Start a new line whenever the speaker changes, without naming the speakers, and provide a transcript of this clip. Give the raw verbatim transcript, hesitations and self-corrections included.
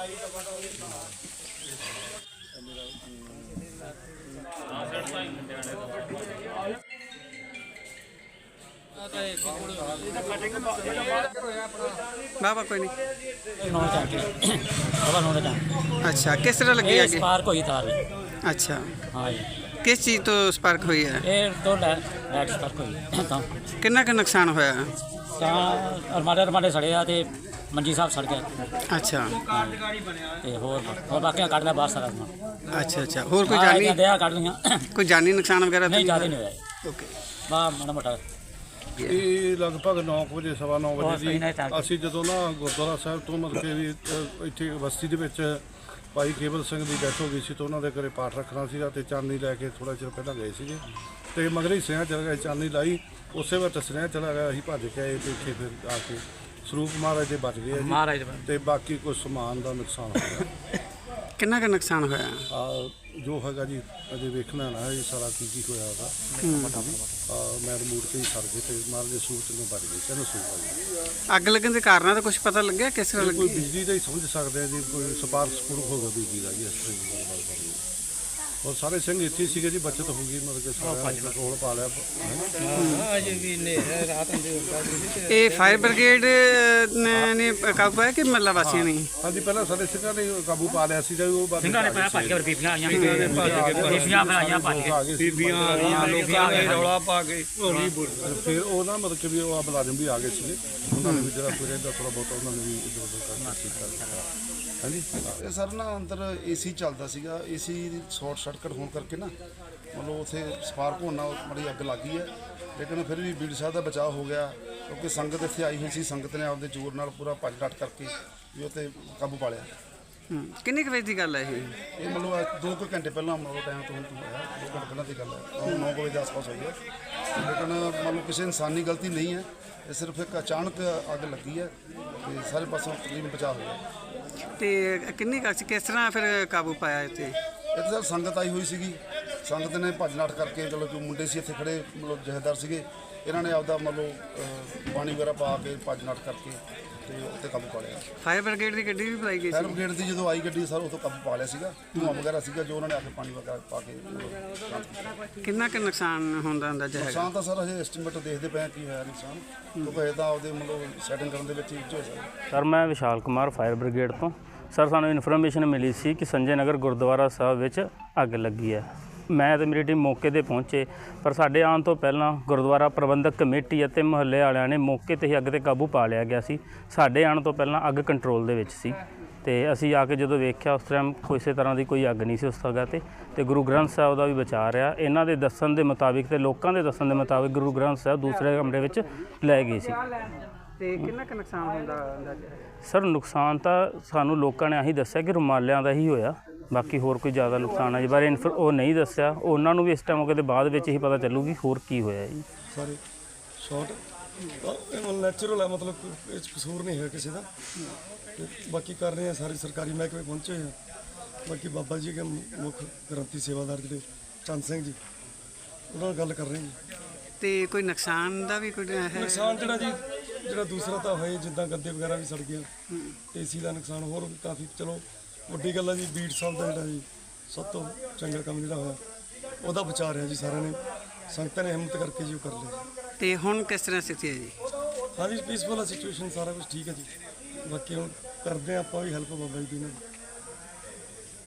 बाबा कोई नहीं। अच्छा, किस तरह लगी आगे?
स्पार्क हुई तार।
अच्छा,
हाँ जी।
किस चीज़ तो स्पार्क हुई है?
ये तो लाइट स्पार्क हुई तो
कितना का नुकसान होया?
ਤਾਂ ਅਰਮਾਡੇ ਅਰਮਾਡੇ ਸੜੇ ਆ ਤੇ ਮੰਜੀ ਸਾਹਿਬ ਸੜ ਗਿਆ।
अच्छा,
ਤੇ ਹੋਰ ਹੋਰ ਬਾਕੀਆਂ ਕੱਢ ਲਿਆ ਬਾਹਰ ਸਾਰਾ ਸਮਾਨ।
अच्छा अच्छा, और कोई जानी
ਦਿਆ ਕੱਢ ਲਈਆਂ।
कोई जानी नुकसान वगैरह तो
ਨਹੀਂ ਜ਼ਿਆਦਾ ਨਹੀਂ ਹੋਇਆ।
ओके।
ਬਾ ਮਾੜਾ ਮੋਟਾ
ਇਹ ਲਗਭਗ ਨੌ ਕੁ ਵਜੇ ਸਵਾ ਨੌ
ਬਹੁਤ
ਵਜੇ
ਸਹੀ ਨਾਲ
ਦੀ
ਚੱਲ
ਅਸੀਂ ਜਦੋਂ ਨਾ ਗੁਰਦੁਆਰਾ ਸਾਹਿਬ ਤੋਂ ਮਤਲਬ ਕਿ ਵੀ ਅ, ਇੱਥੇ ਬਸਤੀ ਦੇ ਵਿੱਚ ਭਾਈ ਕੇਵਲ ਸਿੰਘ ਦੀ ਡੈਥ ਹੋ ਗਈ ਸੀ ਤਾਂ ਉਹਨਾਂ ਦੇ ਘਰੇ ਪਾਠ ਰੱਖਣਾ ਸੀਗਾ ਤੇ ਚਾਂਦੀ ਲੈ ਕੇ ਥੋੜਾ ਚਿਰ ਪਹਿਲਾਂ ਗਏ ਸੀਗੇ ਤੇ ਮਗਰ ਹੀ ਸਿਆਂ ਚਲ ਗਏ, ਚਾਂਦੀ ਲਾਈ ਉਸੇ ਵੇਲੇ ਸਿਆਂ ਚਲਾ ਗਿਆ। ਅਸੀਂ ਭੱਜ ਕੇ ਆਏ ਤੇ ਇੱਥੇ ਫਿਰ ਆ ਕੇ ਸਰੂਪ ਮਹਾਰਾਜ ਦੇ ਬਚ ਗਏ ਆ
ਮਹਾਰਾਜ
ਜੀ ਤੇ ਬਾਕੀ ਕੁਝ ਸਮਾਨ ਦਾ ਨੁਕਸਾਨ ਹੋ ਗਿਆ।
कितना का नुकसान होया?
ਆ ਜੋ ਹੈਗਾ ਜੀ ਅਜੇ ਵੇਖਣਾ ਨਾ ਇਹ ਸਾਰਾ ਕੀ ਕੀ ਹੋਇਆ ਉਹਦਾ। ਆ ਮੈਂ ਰਿਮੋਟ ਤੇ ਹੀ ਸਰ ਗਏ ਤੇ ਮਹਾਰਾਜ ਦੇ ਸਰੂਪ ਤੋਂ ਬਚ ਗਏ, ਚਲੋ ਸਰੂਪ ਆ ਜੀ।
ਅੱਗ ਲੱਗਣ ਦੇ ਕਾਰਨਾਂ ਦਾ ਕੁਝ ਪਤਾ ਲੱਗਿਆ ਕਿਸ ਤਰ੍ਹਾਂ
ਕੋਈ
ਲੱਗੀ?
ਬਿਜਲੀ ਦਾ ਹੀ ਸਮਝ ਸਕਦੇ ਆ ਜੀ, ਕੋਈ ਸਪਾਰਕ ਸਪੂਰਕ ਹੋਗਾ ਬਿਜਲੀ ਦਾ ਜੀ, ਇਸ ਤਰ੍ਹਾਂ ਦੀ ਗੱਲਬਾਤ ਕਰੀ। ਔਰ ਸਾਰੇ ਸਿੰਘ ਇੱਥੇ ਹੀ ਸੀਗੇ ਜੀ, ਬੱਚਤ ਹੋ ਗਈ ਮਤਲਬ ਕਿ ਸਾਰਾ ਕੰਟਰੋਲ ਪਾ ਲਿਆ।
ਇਹ ਫਾਇਰ ਬ੍ਰਿਗੇਡ ਨੇ ਨੇ ਕਾਬੂ ਪਾਇਆ ਕਿ ਮੱਲਾ ਵਾਸੀਆਂ ਨੇ?
ਹਾਂਜੀ, ਪਹਿਲਾਂ ਸਾਡੇ ਸਿੰਘਾਂ ਨੇ ਕਾਬੂ ਪਾ ਲਿਆ ਸੀ ਜੀ, ਉਹ ਬਾਅਦ
ਸਿੰਘਾਂ ਨੇ ਪਾਇਆ ਭੱਜ ਕੇ ਬੀਬੀਆਂ ਆਈਆਂ ਬੀਬੀਆਂ ਫਿਰ ਆਈਆਂ ਭੱਜ ਕੇ
ਬੀਬੀਆਂ
ਆ ਗਈਆਂ ਲੋਕਾਂ ਨੇ ਰੌਲਾ
ਪਾ ਕੇ ਫਿਰ ਉਹ ਨਾ ਮਤਲਬ ਕਿ ਵੀ ਉਹ ਮੁਲਾਜ਼ਮ ਵੀ ਆ ਗਏ ਸੀਗੇ, ਉਹਨਾਂ ਨੇ ਵੀ ਜਿਹੜਾ ਕੋਈ ਰਹਿੰਦਾ ਥੋੜਾ ਬਹੁਤ ਉਹਨਾਂ ਨੇ ਵੀ ਇੱਧਰ ਉੱਧਰ ਕਰਨਾ ਸੀ। ਹਾਂਜੀ,
ਇਹ ਸਰ ਨਾ ਅੰਦਰ ਏਸੀ ਚੱਲਦਾ ਸੀਗਾ, ਏਸੀ ਸ਼ਾਰਟ ਸਰਕਟ ਹੋਣ ਕਰਕੇ ਨਾ ਮਤਲਬ ਉੱਥੇ ਸਪਾਰਕ ਹੋਣ ਨਾਲ ਬੜੀ ਅੱਗ ਲੱਗ ਗਈ ਹੈ। ਲੇਕਿਨ ਫਿਰ ਵੀ ਬੀੜ ਸਾਹਿਬ ਦਾ ਬਚਾਅ ਹੋ ਗਿਆ ਕਿਉਂਕਿ ਸੰਗਤ ਇੱਥੇ ਆਈ ਹੋਈ ਸੀ, ਸੰਗਤ ਨੇ ਆਪਦੇ ਜ਼ੋਰ ਨਾਲ ਪੂਰਾ ਭੱਜ ਡਟ ਕਰਕੇ ਵੀ ਉੱਥੇ ਕਾਬੂ ਪਾ ਲਿਆ।
ਹੂੰ, ਕਿੰਨੇ ਕੁ ਵਜੇ ਦੀ ਗੱਲ ਹੈ ਇਹ?
ਇਹ ਮਤਲਬ ਅੱਜ ਦੋ ਕੁ ਘੰਟੇ ਪਹਿਲਾਂ ਮਤਲਬ ਟਾਈਮ ਤੋਂ ਹੁਣ ਤੋਂ ਹੋਇਆ, ਦੋ ਘੰਟੇ ਪਹਿਲਾਂ ਦੀ ਗੱਲ ਹੈ, ਨੌ ਕੁ ਵਜੇ ਦੇ ਆਸ-ਪਾਸ ਹੋਈ ਹੈ। ਲੇਕਿਨ ਮਤਲਬ ਕਿਸੇ ਇਨਸਾਨੀ ਗਲਤੀ ਨਹੀਂ ਹੈ, ਇਹ ਸਿਰਫ ਇੱਕ ਅਚਾਨਕ ਅੱਗ ਲੱਗੀ ਹੈ ਤੇ ਸਾਰੇ ਪਾਸੋਂ ਤਕਰੀਬਨ ਬਚਾਅ ਹੋ ਗਿਆ।
ਤੇ ਕਿੰਨੀ ਕੁ ਸੀ, ਕਿਸ ਤਰ੍ਹਾਂ ਫਿਰ ਕਾਬੂ ਪਾਇਆ ਇੱਥੇ?
ਇੱਥੇ ਸਰ ਸੰਗਤ ਆਈ ਹੋਈ ਸੀਗੀ, ਸੰਗਤ ਨੇ ਭੱਜ ਨੱਠ ਕਰਕੇ ਚਲੋ ਜੋ ਮੁੰਡੇ ਸੀ ਇੱਥੇ ਖੜੇ ਮਤਲਬ ਜਥੇਦਾਰ ਸੀਗੇ, ਇਹਨਾਂ ਨੇ ਆਪਦਾ ਮਤਲਬ ਅਹ, ਪਾਣੀ ਵਗੈਰਾ ਪਾ ਕੇ ਭੱਜ ਨੱਠ ਕਰਕੇ ਤੇ ਉੱਤੇ ਕਾਬੂ ਪਾ ਲਿਆ।
ਫਾਇਰ ਬ੍ਰਿਗੇਡ ਦੀ ਗੱਡੀ ਵੀ ਬੁਲਾਈ ਗਈ
ਫਾਇਰ
ਸੀ?
ਬ੍ਰਿਗੇਡ ਦੀ ਜਦੋਂ ਆਈ ਗੱਡੀ ਸਰ ਉਹ ਤੋਂ ਕਾਬੂ ਪਾ ਲਿਆ ਸੀਗਾ, ਧੂੰਆਂ ਵਗੈਰਾ ਸੀਗਾ ਜੋ ਉਹਨਾਂ ਨੇ ਆ ਕੇ ਪਾਣੀ ਵਗੈਰਾ ਪਾ ਕੇ ਮਤਲਬ ਸ਼ਾਂਤ ਕੀਤਾ।
ਕਿੰਨਾ ਕੁ ਨੁਕਸਾਨ ਹੁੰਦਾ ਅੰਦਾਜ਼ਾ ਹੈਗਾ?
ਨੁਕਸਾਨ ਤਾਂ ਸਰ ਹਜੇ ਐਸਟੀਮੇਟ ਦੇਖਦੇ ਪਏ ਹਾਂ ਕੀ ਹੋਇਆ ਨੁਕਸਾਨ, ਕਿਉਂਕਿ ਇਹ ਤਾਂ ਆਪਦੇ ਮਤਲਬ ਸੈਟਿੰਗ ਕਰਨ ਦੇ ਵਿੱਚ ਹੀ ਹੋ ਸਕਦਾ।
ਸਰ ਮੈਂ ਵਿਸ਼ਾਲ ਕੁਮਾਰ ਫਾਇਰ ਬ੍ਰਿਗੇਡ ਤੋਂ। ਸਰ ਸਾਨੂੰ ਇਨਫੋਰਮੇਸ਼ਨ ਮਿਲੀ ਸੀ ਕਿ ਸੰਜੇ ਨਗਰ ਗੁਰਦੁਆਰਾ ਸਾਹਿਬ ਵਿੱਚ ਅੱਗ ਲੱਗੀ ਹੈ। ਮੈਂ ਤੇ ਮੇਰੀ ਟੀਮ ਮੌਕੇ 'ਤੇ ਪਹੁੰਚੇ, ਪਰ ਸਾਡੇ ਆਉਣ ਤੋਂ ਪਹਿਲਾਂ ਗੁਰਦੁਆਰਾ ਪ੍ਰਬੰਧਕ ਕਮੇਟੀ ਅਤੇ ਮੁਹੱਲੇ ਵਾਲਿਆਂ ਨੇ ਮੌਕੇ 'ਤੇ ਹੀ ਅੱਗ 'ਤੇ ਕਾਬੂ ਪਾ ਲਿਆ ਗਿਆ ਸੀ। ਸਾਡੇ ਆਉਣ ਤੋਂ ਪਹਿਲਾਂ ਅੱਗ ਕੰਟਰੋਲ ਦੇ ਵਿੱਚ ਸੀ ਤੇ ਅਸੀਂ ਆ ਕੇ ਜਦੋਂ ਵੇਖਿਆ ਉਸ ਟਾਈਮ ਕਿਸੇ ਤਰ੍ਹਾਂ ਦੀ ਕੋਈ ਅੱਗ ਨਹੀਂ ਸੀ ਉਸ ਜਗ੍ਹਾ 'ਤੇ ਤੇ ਗੁਰੂ ਗ੍ਰੰਥ ਸਾਹਿਬ ਦਾ ਵੀ ਬਚਾ ਰਿਹਾ। ਇਹਨਾਂ ਦੇ ਦੱਸਣ ਦੇ ਮੁਤਾਬਿਕ ਤੇ ਲੋਕਾਂ ਦੇ ਦੱਸਣ ਦੇ ਮੁਤਾਬਿਕ ਗੁਰੂ ਗ੍ਰੰਥ ਸਾਹਿਬ ਦੂਸਰੇ ਕਮਰੇ ਵਿੱਚ ਲੈ ਗਏ ਸੀ।
ਤੇ ਕਿੰਨਾ ਕੁ ਨੁਕਸਾਨ ਹੁੰਦਾ ਅੰਦਾਜ਼ਾ?
ਸਰ ਨੁਕਸਾਨ ਤਾਂ ਸਾਨੂੰ ਲੋਕਾਂ ਨੇ ਆਹੀ ਦੱਸਿਆ ਕਿ ਰੁਮਾਲਿਆਂ ਦਾ ਹੀ ਹੋਇਆ, ਬਾਕੀ ਹੋਰ ਕੋਈ ਜ਼ਿਆਦਾ ਨੁਕਸਾਨ ਹੈ ਜੀ ਬਾਰੇ ਇਨਫੋ ਉਹ ਨਹੀਂ ਦੱਸਿਆ। ਉਹਨਾਂ ਨੂੰ ਵੀ ਇਸ ਟਾਈਮ ਮੌਕੇ ਦੇ ਬਾਅਦ ਵਿੱਚ ਹੀ ਪਤਾ ਚੱਲੂਗੀ ਹੋਰ ਕੀ ਹੋਇਆ ਜੀ।
ਸਾਰੇ ਸ਼ਾਰਟ ਇਹ ਨੈਚੁਰਲ ਹੈ, ਮਤਲਬ ਇਹ 'ਚ ਕਸੂਰ ਨਹੀਂ ਹੈ ਕਿਸੇ ਦਾ। ਤੇ ਬਾਕੀ ਕਰ ਰਹੇ ਆ ਸਾਰੇ ਸਰਕਾਰੀ ਮਹਿਕਮੇ ਪਹੁੰਚੇ ਹੋਏ ਆ। ਬਾਕੀ ਬਾਬਾ ਜੀ ਦੇ ਮੁੱਖ ਗ੍ਰੰਥੀ ਸੇਵਾਦਾਰ ਜਿਹੜੇ ਚੰਦ ਸਿੰਘ ਜੀ ਉਹਨਾਂ ਨਾਲ ਗੱਲ ਕਰ ਰਹੇ ਜੀ।
ਤੇ ਕੋਈ ਨੁਕਸਾਨ ਦਾ ਵੀ ਕੋਈ ਹੈ?
ਨੁਕਸਾਨ ਜਿਹੜਾ ਜੀ ਜਿਹੜਾ ਦੂਸਰਾ ਤਾਂ ਹੋਏ ਜਿੱਦਾਂ ਗੱਦੇ ਵਗੈਰਾ ਵੀ ਸੜ ਗਏ, ਏਸੀ ਦਾ ਨੁਕਸਾਨ ਹੋਰ ਵੀ ਕਾਫੀ। ਚਲੋ ਵੱਡੀ ਗੱਲ ਹੈ ਜੀ ਬੀੜ ਸਾਹਿਬ ਦਾ ਜਿਹੜਾ ਜੀ ਸਭ ਤੋਂ ਚੰਗਾ ਕੰਮ ਜਿਹੜਾ ਹੋਇਆ ਉਹਦਾ ਬਚਾ ਰਿਹਾ ਜੀ ਸਾਰਿਆਂ ਨੇ, ਸੰਗਤਾਂ ਨੇ ਹਿੰਮਤ ਕਰਕੇ ਜੀ ਉਹ ਕਰ ਲਿਆ।
ਤੇ ਹੁਣ ਕਿਸ ਤਰ੍ਹਾਂ ਸਥਿਤੀ ਹੈ ਜੀ?
ਹਾਂਜੀ ਪੀਸਫੁਲ ਹੈ ਸਿਚੁਏਸ਼ਨ, ਸਾਰਾ ਕੁਝ ਠੀਕ ਹੈ ਜੀ। ਬਾਕੀ ਹੁਣ ਕਰਦੇ ਹਾਂ ਆਪਾਂ ਵੀ ਹੈਲਪ ਬਾਬਾ ਜੀ ਦੀ ਨਾਲ।